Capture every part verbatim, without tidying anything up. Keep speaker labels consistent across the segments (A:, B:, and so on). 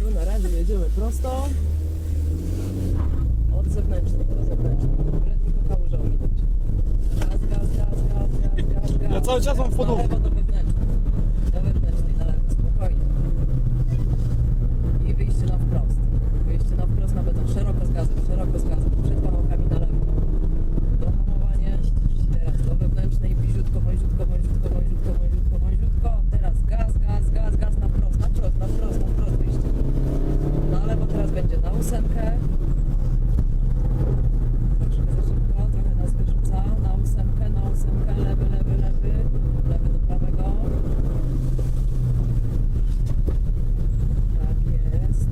A: Tu na razie jedziemy prosto. Od zewnętrznej do zewnętrznej. Byle tylko kałużę ominąć. Gaz, gaz, gaz, gaz, gaz, gaz, gaz.
B: Ja cały czas mam w
A: Na
B: podłogę.
A: lewo do wewnętrznej. Do wewnętrznej, na lewo, spokojnie. I wyjście na wprost. Wyjście na wprost na beton. Szeroko z gazem, szeroko z gazem. Przed pałkami na lewo. Dohamowanie. Teraz do wewnętrznej. Bliziutko, wąziutko, wąziutko, wąziutko, wąziutko, wąziutko. Teraz gaz, gaz, gaz, gaz na wprost, na wprost, na wprost, na wprost wyjście. Na lewo teraz będzie na ósemkę. Troszkę za szybko, trochę nas wyrzuca. Na ósemkę, na ósemkę, lewy, lewy, lewy. Lewy do prawego. Tak jest.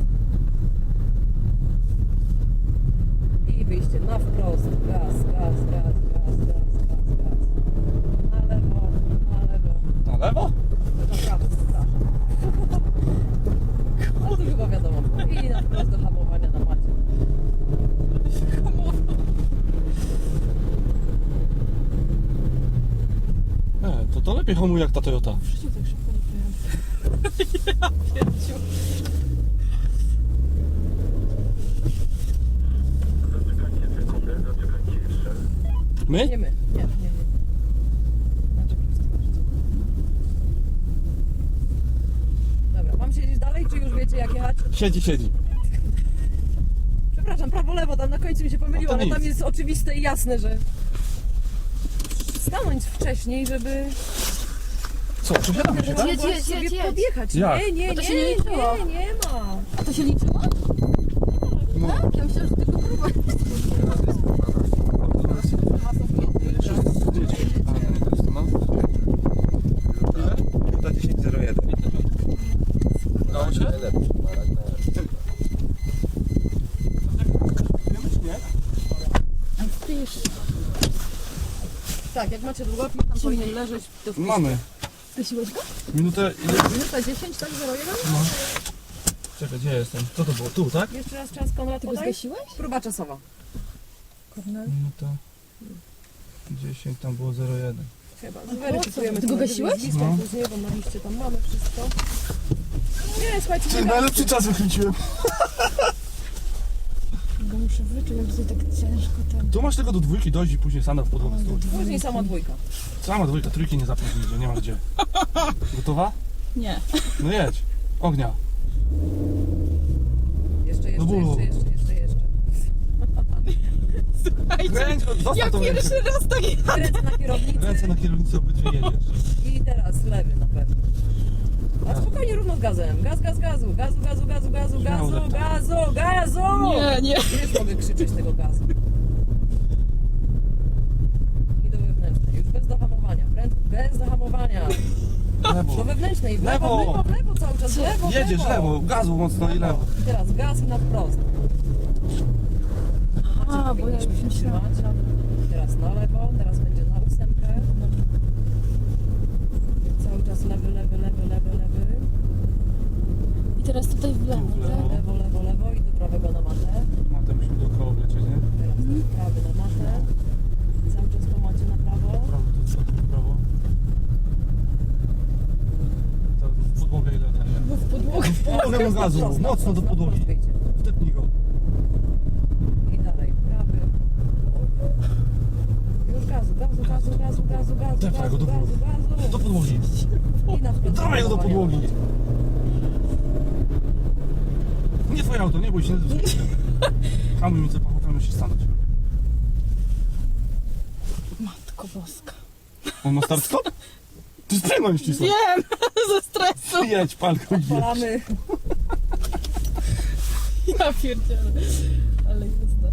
A: I wyjście na wprost. Gaz, gaz, gaz, gaz, gaz, gaz, gaz. Na lewo, na lewo.
B: Na lewo?
A: Na prawo, przepraszam. Ale to chyba wiadomo. I na wprost do hamowania na macie.
B: E, to to lepiej hamuje jak ta Toyota.
A: W życiu tak szybko nie pojechałem. Ja pierdziu.
C: Zaczekajcie sekundę, zaczekajcie jeszcze.
B: My?
A: Nie my. Nie, nie, nie. Znaczy prosto. Dobra, mam siedzieć dalej, czy już wiecie jak jechać?
B: Siedzi, siedzi.
A: Przepraszam, prawo, lewo, tam na końcu mi się pomyliło,
B: No to
A: ale tam
B: nic.
A: jest oczywiste i jasne, że stanąć wcześniej, żeby
B: Co, przesiadamy się, tak?
A: jedź, jedź, sobie
D: jedź, jedź.
A: podjechać.
B: Jak?
A: Nie, nie,
D: Bo to
A: nie,
D: się nie liczyło.
A: nie, nie ma.
D: A to się liczyło?
B: No.
D: Tak? Ja myślałam, że tylko próba.
C: Minuta dziesięć zero jeden.
B: Udało się?
D: Wpisz.
A: Tak, jak macie długopis, tam powinien leżeć. To wpisz.
B: Mamy.
D: Zgasiłeś go?
B: Minutę, ile?
A: Minuta dziesięć, tak? zero jeden?
B: Czekaj, gdzie jestem? Co to było? Tu, tak?
A: Jeszcze raz czas, Konrad,
D: Ty go
A: podaj.
D: zgasiłeś?
A: Próba czasowa.
D: Kornel.
B: Minuta dziesięć, tam było zero jeden.
A: Chyba. Zweryfikujemy.
D: Ty go
A: to
D: gasiłeś?
A: listę
B: No.
A: później, bo na liście tam mamy wszystko. Nie, słuchajcie, nie
B: Najlepszy czas wykręciłem.
D: Go muszę wyczuć, jak tutaj tak ciężko ten...
B: Tu masz tego do dwójki dojść i później sana w podłogę stój.
A: Później sama dwójka.
B: Sama dwójka, trójki nie zapnij, że nie ma gdzie. Gotowa?
D: Nie.
B: No jedź. Ognia.
A: Jeszcze, jeszcze,
B: Do bólu.
A: jeszcze, jeszcze, jeszcze, jeszcze.
B: Kręć, zostaw
D: Ja
B: tą rękę.
D: pierwszy raz tak...
A: Ręce na kierownicy
B: Ręce na kierownicy, obydwie jedziesz.
A: i teraz lewy na pewno. A spokojnie, równo z gazem. Gaz, gaz, gazu. Gazu, gazu, gazu, gazu,
B: Śmiało
A: gazu,
B: tak.
A: gazu, gazu!
D: Nie, nie.
A: Już mogę krzyczeć tego gazu. I do wewnętrznej. Już bez zahamowania. Pręd, bez zahamowania. Do
B: Lewo.
A: wewnętrznej. W lewo,
B: Lewo.
A: w lewo, w lewo cały czas. W lewo, w
B: Jedziesz lewo, gazu mocno i lewo.
A: I teraz gaz i na wprost.
D: A, bo ja już
A: Powinniśmy się
D: myślałam.
A: trzymać. Teraz na lewo, teraz będzie na ósemkę. Cały czas lewy, lewy, lewy, lewy, lewy.
D: I teraz tutaj w lewo,
B: W lewo.
D: tak?
A: Lewo, lewo, lewo i do prawego na matę.
B: Matę musimy dookoła oblecieć, nie?
A: Teraz do prawy na matę. Cały czas po macie na prawo.
B: Prawo, to co? Prawo. Teraz w podłogę ile daje?
D: Bo w podłogę.
B: W podłogę
A: Teraz
B: mu
A: na
B: gazu,
A: wprost, na
B: mocno do
A: wprost, na
B: podłogi.
A: wprost wyjdzie.
B: Wtepnij go.
A: I dalej, prawy. Już gazu, gazu, gazu, gazu, gazu, gazu,
B: Dawaj go
A: gazu,
B: do
A: gazu, gazu.
B: Do podłogi.
A: I na wprost.
B: Dawaj go do podłogi. Nie twoje auto, nie bój się. Hamuj mi, co pochopimy się stanąć.
D: Matko boska.
B: On ma start stop? To jest prędkość ścisła.
D: Wiem, ze stresu.
B: Jedź, palko, jedź.
A: Palamy.
D: Ja pierdzielę. Ale jazda.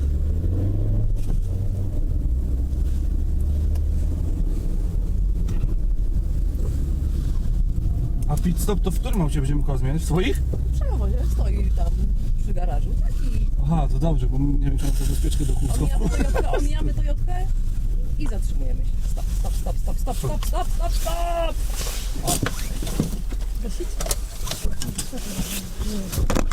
B: A pit stop to w którym aucie będziemy koło zmieniać? W swoich?
A: Przewozie stoi tam przy garażu. Taki.
B: Aha, to dobrze, bo nie wiem, czy mam tę bezpieczkę do kółka.
A: Omijamy Toyotkę, omijamy Toyotkę i zatrzymujemy się. Stop, stop, stop, stop, stop, stop, stop, stop, stop!
D: Gasić?